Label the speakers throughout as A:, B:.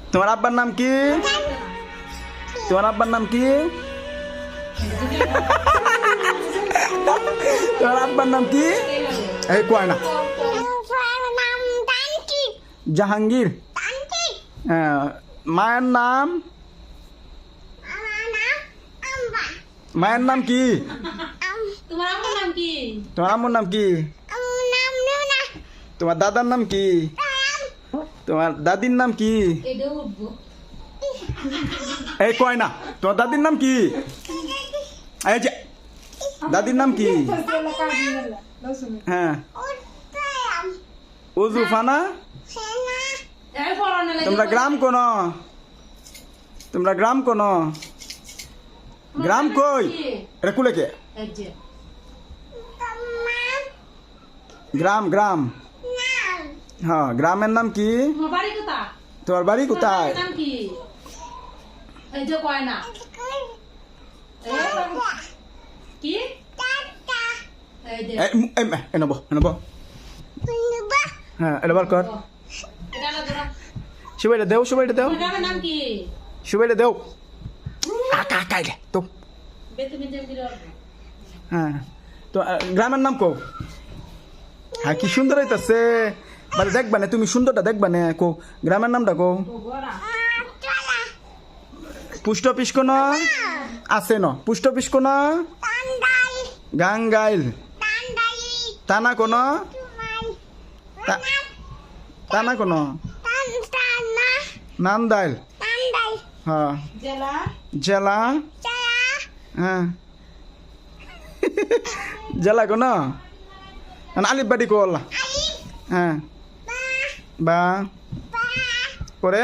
A: তোমার আব্বার নাম কি? তোমার আব্বার নাম কি? তোমার আব্বার নাম কি? এই কয় না। জাহাঙ্গীর। মায়ের নাম? মায়ের নাম কি?
B: তোমার আম্মুর নাম কি?
A: তোমার আম্মুর নাম কি? তোমার দাদার নাম কি? তোমার দাদির নাম কি?
B: এটা উঠবো।
A: এই কয় না। তোমার দাদির নাম কি? এই যে দাদির নাম কি? হ্যাঁ উজুফানা।
B: এই পড়ানো লাগে।
A: তোমরা গ্রাম কোন? তোমরা গ্রাম কোন? গ্রাম কই? এটা কুলে কে?
B: এই যে
A: গ্রাম গ্রাম। হ্যাঁ গ্রামের নাম কি?
B: তোমার বাড়ি কোথা?
A: তোমার বাড়ি কোথায়?
B: নাম কি? এই যে কয় না। কি? এই যে
A: নেবো নেবো। হ্যাঁ এটা বার কর।
B: এটা না ধরো।
A: সুবাইটা দেও, সুবাইটা দেও,
B: তোমার গ্রামের নাম কি?
A: সুবাইটা দেও। কাকা কাইলে তো।
B: বেতুমি জেম দিলো।
A: হ্যাঁ তো গ্রামের নাম কো? হ্যাঁ কি সুন্দর হইতাছে। মানে দেখবা না তুমি সুন্দরটা দেখবা না কো। গ্রামের নামটা কো। পোস্ট অফিস কোন আছে? ন পোস্ট অফিস কোন? গাঙ্গাইল। টানা কোন? টানা কোন? নান্দাইল। হ্যাঁ
B: জেলা
A: জেলা। হ্যাঁ জেলা কোন? আলিফ বাড়ি কোল। হ্যাঁ বা পরে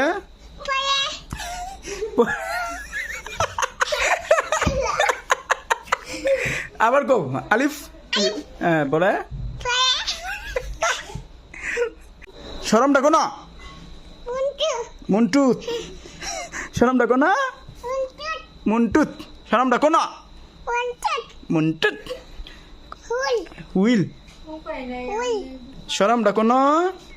A: আবার কো আলিফ। হ্যাঁ পরে সরমটা কোন? মুন্টুত। সরমটা কোন? মুন্টুত। সরমটা কোন? মুন্টুত। হুইল। সরমটা কোন?